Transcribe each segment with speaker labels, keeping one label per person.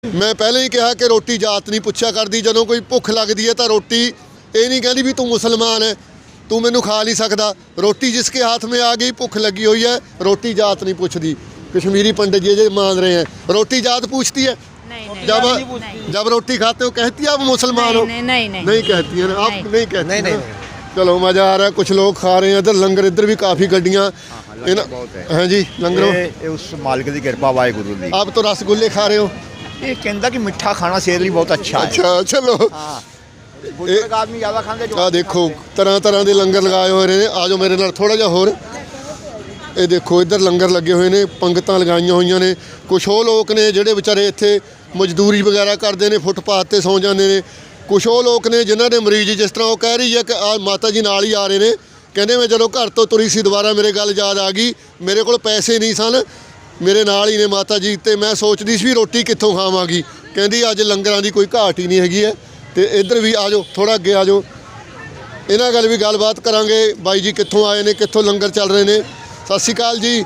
Speaker 1: मैं पहले ही कहा कि रोटी जात नहीं पुछा करती, ਜਦੋਂ ਕੋਈ ਭੁੱਖ ਲੱਗਦੀ है तो रोटी ये नहीं कहती भी तू मुसलमान है तू मैनू खा नहीं सकता। रोटी जिसके हाथ में आ गई, भुख लगी हुई है, रोटी जात नहीं पूछती। कश्मीरी पंडित जी मान रहे हैं रोटी जात पूछती है। जब रोटी खाते हो कहती है आप मुसलमान हो? नहीं कहती है, आप नहीं कहती। नहीं। चलो मज़ा आ रहा है, कुछ लोग खा रहे हैं इधर लंगर, इधर भी काफ़ी गड्डियाँ हैं जी लंगरों।
Speaker 2: उस मालिक की कृपा वाहेगुरू दी।
Speaker 1: आप तो रसगुल्ले खा रहे हो?
Speaker 2: ये कहता कि मिठा खाना सेहत ਲਈ बहुत अच्छा है।
Speaker 1: अच्छा चलो
Speaker 2: बुजुर्ग आदमी ज़्यादा खाते जो।
Speaker 1: ਆ ਦੇਖੋ ਤਰ੍ਹਾਂ ਤਰ੍ਹਾਂ ਦੇ ਲੰਗਰ ਲਗਾਏ ਹੋਏ ਨੇ। ਆ ਜਾਓ ਮੇਰੇ ਨਾਲ ਥੋੜਾ ਜਿਹਾ ਹੋਰ। ਇਹ ਦੇਖੋ ਇੱਧਰ ਲੰਗਰ ਲੱਗੇ ਹੋਏ ਨੇ, ਪੰਗਤਾਂ ਲਗਾਈਆਂ ਹੋਈਆਂ ਨੇ। ਕੁਛ ਉਹ ਲੋਕ ਨੇ ਜਿਹੜੇ ਵਿਚਾਰੇ ਇੱਥੇ ਮਜ਼ਦੂਰੀ ਵਗੈਰਾ ਕਰਦੇ ਨੇ, ਫੁੱਟਪਾਥ ਤੇ ਸੌਂ ਜਾਂਦੇ ਨੇ। ਕੁਛ ਉਹ ਲੋਕ ਨੇ ਜਿਨ੍ਹਾਂ ਦੇ ਮਰੀਜ਼, ਜਿਸ ਤਰ੍ਹਾਂ ਉਹ ਕਹਿ ਰਹੀ ਹੈ ਕਿ ਆ ਮਾਤਾ ਜੀ ਨਾਲ ਹੀ ਆ ਰਹੇ ਨੇ, ਕਹਿੰਦੇ ਮੈਂ ਜਦੋਂ ਘਰ ਤੋਂ ਤੁਰੀ ਸੀ ਦੁਬਾਰਾ ਮੇਰੇ ਗੱਲ ਯਾਦ ਆ ਗਈ, ਮੇਰੇ ਕੋਲ ਪੈਸੇ ਨਹੀਂ ਸਨ, ਮੇਰੇ ਨਾਲ ਹੀ ਨੇ ਮਾਤਾ ਜੀ, ਤੇ ਮੈਂ ਸੋਚਦੀ ਸੀ ਵੀ ਰੋਟੀ ਕਿੱਥੋਂ ਖਾਵਾਂਗੀ। ਕਹਿੰਦੀ ਅੱਜ ਲੰਗਰਾਂ ਦੀ ਕੋਈ ਘਾਟ ਹੀ ਨਹੀਂ ਹੈਗੀ ਹੈ। ਤੇ ਇੱਧਰ ਵੀ ਆ ਜਾਓ, ਥੋੜਾ ਅੱਗੇ ਆ ਜਾਓ, ਇਹਨਾਂ ਗੱਲ ਵੀ ਗੱਲਬਾਤ ਕਰਾਂਗੇ। ਬਾਈ ਜੀ ਕਿੱਥੋਂ ਆਏ ਨੇ, ਕਿੱਥੋਂ ਲੰਗਰ ਚੱਲ ਰਹੇ ਨੇ? ਸਤਿ ਸ਼੍ਰੀ ਅਕਾਲ ਜੀ।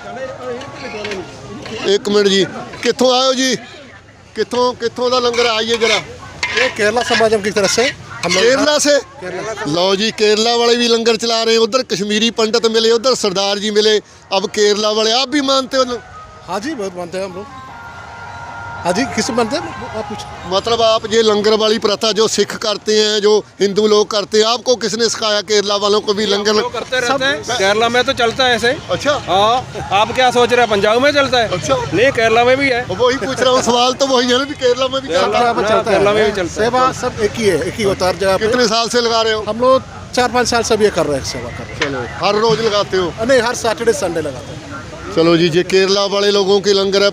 Speaker 1: ਇੱਕ ਮਿੰਟ ਜੀ, ਕਿੱਥੋਂ ਆਏ ਹੋ ਜੀ? कितों का लंगर आइए जरा।
Speaker 3: ये केरला समाजम की तरफ से हम लोग।
Speaker 1: केरला से? लो जी, केरला वाले भी लंगर चला रहे हैं। उधर कश्मीरी पंडित मिले, उधर सरदार जी मिले, अब केरला वाले। आप भी मानते हो?
Speaker 3: हाँ जी, बहुत मानते हैं हम लोग। हाँ जी, किस मानते हैं आप? कुछ
Speaker 1: मतलब आप ये लंगर वाली प्रथा जो सिख करते हैं, जो हिंदू लोग करते हैं, आपको किसने सिखाया? केरला वालों को भी लंगर
Speaker 4: करते रहते हैं। केरला में तो चलता है ऐसे।
Speaker 1: अच्छा
Speaker 4: हाँ, आप क्या सोच रहे हैं पंजाब में चलता है?
Speaker 1: अच्छा
Speaker 4: नहीं, केरला में भी है।
Speaker 1: वही पूछ रहा हूँ, सवाल तो वही है ना, भी केरला में भी चलता है।
Speaker 3: केरला में भी चलता है। सेवा सब एक ही है, एक ही होता है हर जगह पे।
Speaker 1: कितने साल से लगा रहे हो?
Speaker 3: हम लोग 4-5 साल से भी ये कर रहे हैं, सेवा कर रहे हैं।
Speaker 1: चलो हर रोज लगाते हो?
Speaker 3: नहीं, हर सैटरडे संडे लगाते हैं।
Speaker 1: चलो जी, ये केरला वाले लोगों के लंगर है।